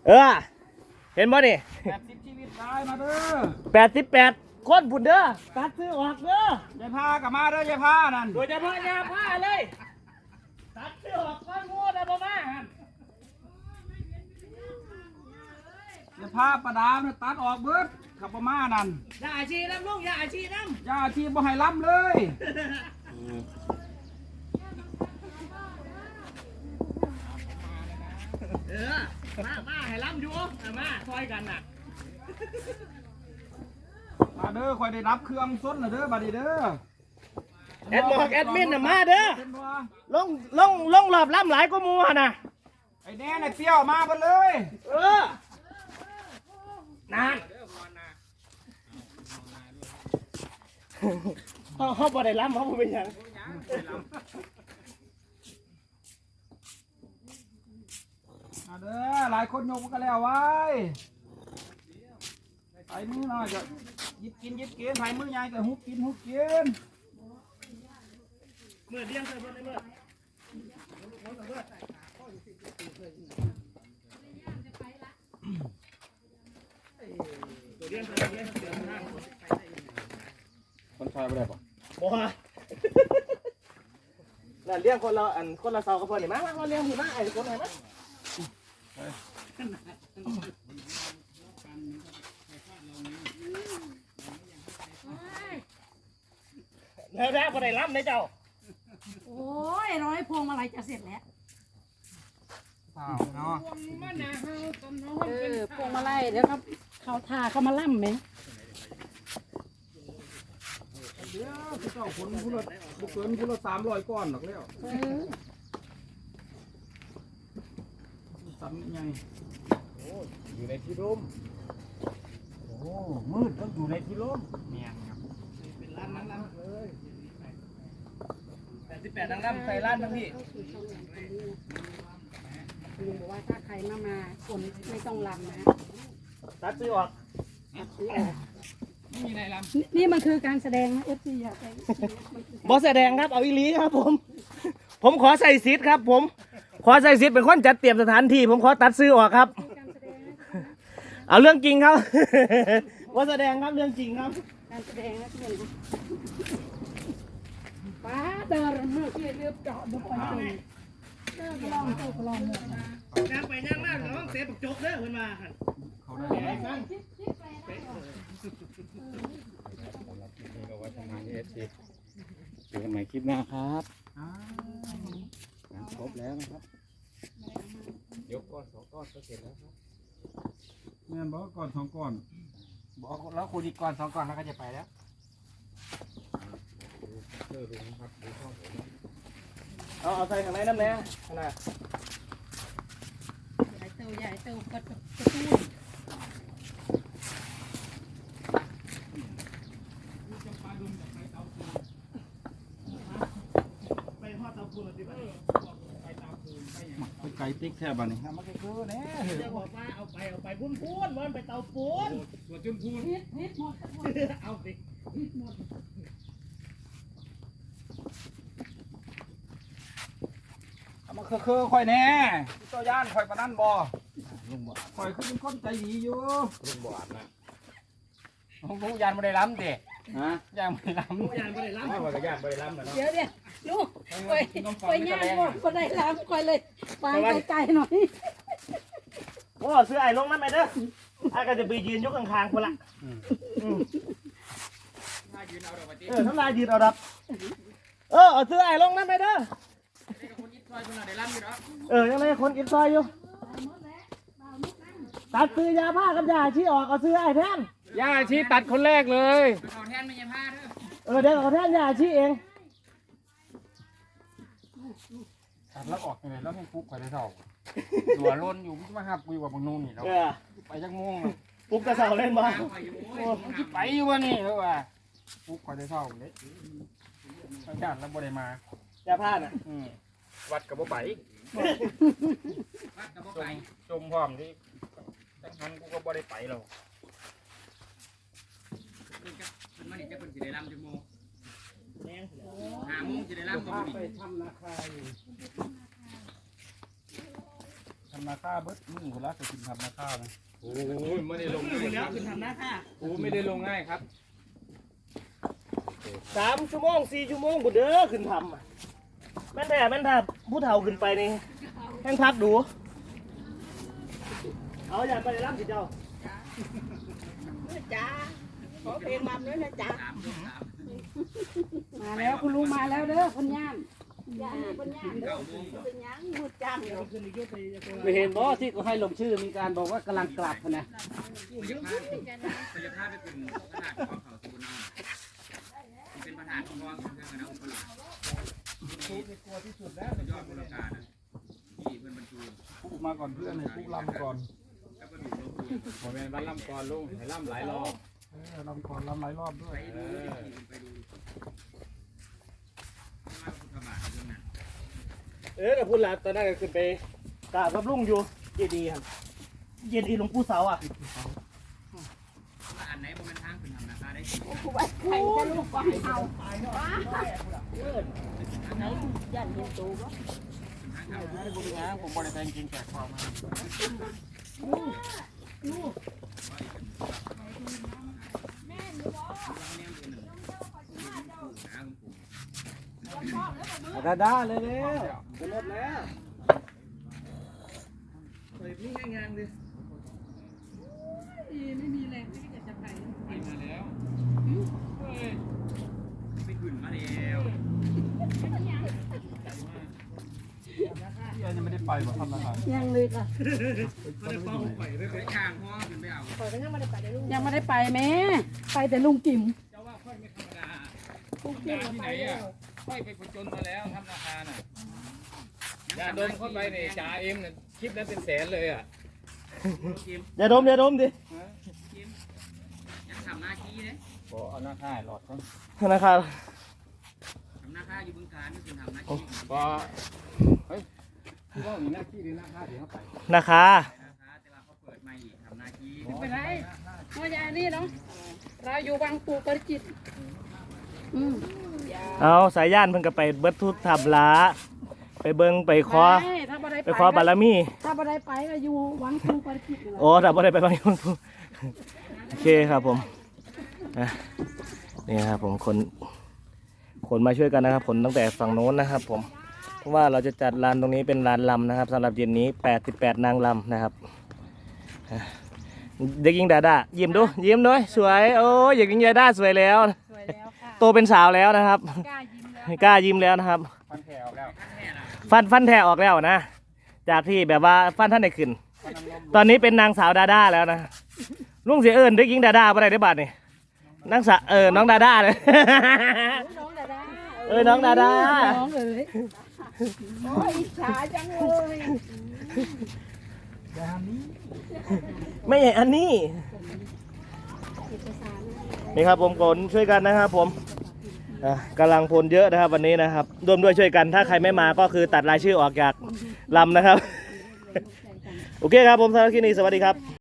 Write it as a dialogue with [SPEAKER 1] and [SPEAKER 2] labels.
[SPEAKER 1] เออเห็นบ่นี่
[SPEAKER 2] 80ชีวิตตายมาเด้อ
[SPEAKER 1] 88คนพุ่นเด้อตัดซื้อออกเด้อย
[SPEAKER 2] ายพากลับมาเด้อยายพานั่น
[SPEAKER 1] โดยเฉพาะยาผ้าเลยตัดซื้อออกก้อนงูได้บ่มาหั่น
[SPEAKER 2] ยายพาประดามเนี่ยตัดออกเบิดขับประมานั่น
[SPEAKER 1] อย่าอาชีน้ำลุงอย่าอาชีน้ำ
[SPEAKER 2] ย่าที่บ่ให้ล้ำเลย
[SPEAKER 1] มาให้ล้ำอยู่มาซอยกันน่ะ
[SPEAKER 2] มาเด้อคอยได้รับเครื่องส้นน่ะเด้อบัดนี้เด้อ
[SPEAKER 1] แอดมินน่ะมาเด้อลงรอบล้ำหลายกว่าหมู่หั่นน่ะ
[SPEAKER 2] ไอ้แน่ไอ้เปรี้ยวมาเบิดเลย
[SPEAKER 1] นานเขาบ่ได้ล้ำเขาบ่เป็นหยัง
[SPEAKER 2] มาเด้อหลายคนยกกันแล้วไว้ใส่มือหน่อยจะยิบกินใส่มือใหญ่ก็ฮุบกิน
[SPEAKER 1] เมื่อเลี้ยงใส่เพิ่นได้เมื่อ
[SPEAKER 2] คนชายไม่ได้ปะ
[SPEAKER 1] บ่นั่นเลี้ยงคนละเสากับเพิ่นนี่มาเลี้ยงพี่มาไอ้คนไหนมาแล้วบ่ได้ล้ำเลยเจ้า
[SPEAKER 3] โอ้ยร้อยพวงมาลัยจะเสร็จแล้ว
[SPEAKER 2] เนาะ
[SPEAKER 3] พวงมาลัยเดี๋ยวครับเขาทาเขามาล่ำไหม
[SPEAKER 2] เดี๋ยวพี่เจ้าผลพุละบุกเกินพุละ300ก้อนหรอกแล้วสั่นไง
[SPEAKER 1] อยู่ในที่ร่มโอ้มืดต้องอยู่ในที่ร่มเนี่ยครับเป็นร้านนั่งล้ำเลย88นั่งล้ำใส่ร้านทั้งพี่
[SPEAKER 3] ลุงบอกว่าถ้าใครมาคนไม่ต้องลำนะ
[SPEAKER 1] ตัดซื้อออก
[SPEAKER 2] ไม่มีอะไรล
[SPEAKER 3] ำนี่มันคือการแสดงนะเอฟซีอยากไป
[SPEAKER 1] บอสแสดงครับเอาอีลีครับผมขอใส่ซิทครับผมขอใส่ซิทเป็นคนจัดเตรียมสถานที่ผมขอตัดซื้อออกครับเอาเรื่องจริงครับบอสแสดงครับเรื่องจริงครับ
[SPEAKER 3] การแสดงนะทุกคนป้าเดินเมื่อกี้เรียบเจาะบุกไปเลยเดินลองตู้ลองหมด
[SPEAKER 1] ย่างไปย่างมากน้องเสียปกจกเด้อขึ้นมา
[SPEAKER 2] เขาได้ไหม
[SPEAKER 1] เจอกันใหม่คลิปหน้าครับครบแล้วนะครับยกก้อน2ก้อนก็เสร็จแล้วครับ
[SPEAKER 2] แม่บอกก่อน2ก้อน
[SPEAKER 1] บอกแล้วคูณอีกก้อน2ก้อนแล้วก็จะไปแล้วเอาใส่ข้างในน้ำแน่ขนาด
[SPEAKER 3] ใหญ่เตากระตุ้น
[SPEAKER 2] ไปไก่ติ๊กแค่บ้านนี้มันก็คือแน่
[SPEAKER 1] จะบอกว่าเอาไปพูนมันไปเตาปูน
[SPEAKER 2] ตัวจนพูน
[SPEAKER 3] พิษหมด
[SPEAKER 1] เอาสิ
[SPEAKER 3] พิษหมด
[SPEAKER 2] มันคือค่อยแน่ตัวย่านค่อยปะนั่นบ่ลุงบ่ค่อยคือเป็นคนใจดีอยู่
[SPEAKER 1] ลุงบ่อาบนะ
[SPEAKER 2] ลุงยานไม่ได้ล้ำเด็กฮะยานไม่ได้ล้
[SPEAKER 1] ำยานไม่ได้ล้ำว่าก็ยานไม่ได้ล้ำนะ
[SPEAKER 3] เดี๋ยวลูกไปย่างก็ได้ล้ำค่อยเลยไปไกลๆหน่อย
[SPEAKER 1] โอ้ซื้อไอ้ลงนั่นไปเด้อไอ้ก็จะไปยืนยกข้างๆคนละน้ำลายยืนเอาดับเอาซื้อไอ้ลงนั่นไปเด้อยังไงคนกินซอยอยู่ตัดซื้อยาผ้ากับยาชี้ออกเอาซื้อไอ้แทน
[SPEAKER 2] ยาชี้ตัดคนแรกเลย
[SPEAKER 1] เอาแทนไม่ยาผ้าเด้อเดี๋ยวเอาแทนยาชี้เอง
[SPEAKER 2] ตัดแล้วออกยังไงแล้วให้ปุ๊บไปได้เท่าหัวล้นอยู่มาหักกูว่าบางนู่นนี่แล้วไปจักม่วง
[SPEAKER 1] ปุ๊บกระเสาเล่นบ้าง
[SPEAKER 2] ไปอยู่วะนี่แล้วว่าปุ๊บไปได้เท่าเลยอาจารย์แล้วบ่ได้มาย
[SPEAKER 1] าผ้าน่ะ
[SPEAKER 2] วัดกับบ่ไปจมพร้อมที่ทั้งนั้นกูก็บ่ได้ไปหรอกมันจะเป็นสีได้ลำจังโม5 โมงจะได้ลำก็ไม่ไปทำนาคาอยู่ทำนาข้าเบิดมึงหัวรักจะกินทำนาข้านะโอ้ยไม่ได้ลง
[SPEAKER 1] แล้วขึ้นทำหน้าค่ะ
[SPEAKER 2] โอ้ไม่ได้ลงง่ายครับ
[SPEAKER 1] 3 ชั่วโมง 4 ชั่วโมงบุเด้อขึ้นทำอะแม่นแต่ผู้เฒ่าขึ้นไปนี่แห้งพักดูเอาอย่าไปรับสิเจ้า
[SPEAKER 3] จ้าขอเพลงมาด้วยนะจ้ามาแล้วคุณลุงมาแล้วเด้อคนย่านย่านคนย่านเด้อเป็นยังมืดจังเดี๋ยว
[SPEAKER 4] ไม่เห็นบ่ที่เขาให้ลงชื่อมีการบอกว่ากำลังกลับนะ
[SPEAKER 5] พยาภาพไปเป็นขนาดของเขาสุนทรเป็นประธานของกองเครื่องคณะอุปราชผู้ที่กลัวที่สุดแล้วยอดบริการที่เพื่อนบรรจุ
[SPEAKER 2] ปุ๊มาก่อนเพื่อนให้ปุ๊ลำก่อน
[SPEAKER 5] แล้วก็ดูลบดู
[SPEAKER 2] ผมเป็นบ้านลำก่อนลุงให้ลำหลายรอบลำก่อนลำหลายรอบด้วย
[SPEAKER 5] ไปดูว่าคุณธรรมะเรื่องนั้น
[SPEAKER 1] แต่พูดแล้วตอนนั้นก็ขึ้นไปกราบกับลุงอยู่เจดีย์ครับเจดีย์หลวงปู่เสาอ่ะ
[SPEAKER 5] ว่าอันไหนมันเป็นทางเป็นธรรมนาคาได้
[SPEAKER 3] ไว้ใครจะลูกก็ให้เอาไหนย่านเห็นตูบ่
[SPEAKER 2] ผมบริการกินแจกความมา
[SPEAKER 4] ด้าเลยเร็วจะลดแล้ว
[SPEAKER 1] เฮ้ยนี่งานเลย
[SPEAKER 3] ไม่มีแรงที่จะไป
[SPEAKER 5] ไปมาแล้วไปขึ้นมาแล้ว
[SPEAKER 2] พี่ยังไม่ได้ไปว่าทำนาคา
[SPEAKER 3] ยังเลยค่ะ
[SPEAKER 1] ก็ได้ป้องข่อยไป
[SPEAKER 5] ไปข้างห้องขึ้นไปเอา
[SPEAKER 3] ยังไม่ได้ไปแม่ไปแต่ลุงกิ๋ม
[SPEAKER 5] เจ้าว่าค่อยไม่ธรรมดาธรรมดาที่ไหนอ่ะค่อยไปผจญมาแล้วทำนาคาน่ะยาดมเข้าไปเนี่ยจ่าเอ็มเนี่ยคลิปนั้นเป็นแสนเลยอ่ะ
[SPEAKER 1] อย่าดมดิ
[SPEAKER 5] ยังทำหน้าที่เลย
[SPEAKER 2] ขอเอาหน้าค่ายหลอดก่อน
[SPEAKER 1] ธนาคาร
[SPEAKER 5] ทำหน้าค่าอยู่บึงการนี่คือทำหน้าที่
[SPEAKER 2] ก็เฮ้ยพี่ว่ามีหน้าที่หรือหน้าค่าเดี๋ยวเขาไป
[SPEAKER 1] นาคา
[SPEAKER 5] นะคะแต่ว่าเขาเปิดใหม่อีกทำหน้าที่
[SPEAKER 3] ไปไหนมายานี่เนาะเราอยู่วังปูปริจิตร
[SPEAKER 1] เอาสายย่านเพิ่นก็ไปเบิดทุกทับละไปเบิ่งไปขอ
[SPEAKER 3] ถ้าบ่ได้
[SPEAKER 1] ไปขอบารมี
[SPEAKER 3] ถ้าบ่ได้ไปก็อยู่วังปูปริจิตร
[SPEAKER 1] โอ้ถ้าบ่ได้ไปบางคนโอเคครับผมอ่ะนี่ครับผมคนมาช่วยกันนะครับคนตั้งแต่ฝั่งโน้นนะครับผมเพราะว่าเราจะจัดลานตรงนี้เป็นลานลำนะครับสำหรับเย็นนี้88นางลำนะครับอ่ะเด็กหญิงดาดายิ้มดูยิ้มด้วยสวยโอ้ยเด็กหญิงดาดาสวยแล้ว
[SPEAKER 3] สวยแล้วค่ะ
[SPEAKER 1] โตเป็นสาวแล้วนะครับ
[SPEAKER 3] กล้ายิ้มแล้ว
[SPEAKER 1] กล้ายิ้มแล้วนะครับ
[SPEAKER 2] ฟันแถวแล้ว
[SPEAKER 1] ฟันแทะออกแล้วนะ จากที่แบบว่าฟันท่านได้ขึ้น
[SPEAKER 2] ฟันน้ำนม
[SPEAKER 1] ตอนนี้เป็นนางสาวดาด้าแล้วนะลุงเสียเอิญเด็กหญิงดาด้าบ่ได้ได้บาทนี่นางสาวน้องดาด้าเลย
[SPEAKER 3] น้องดาดา
[SPEAKER 1] น้องดาด้า
[SPEAKER 3] น้องเลยโอ้ยอิจฉาจังเลย
[SPEAKER 1] ไม่ใช่อันนี้นี่ครับผมคนช่วยกันนะครับผมกำลังพลเยอะนะครับวันนี้นะครับร่วมด้วยช่วยกันถ้าใครไม่มาก็คือตัดรายชื่อออกจากลำนะครับ โอเคครับผมสำหรับคลิปนี้สวัสดีครับ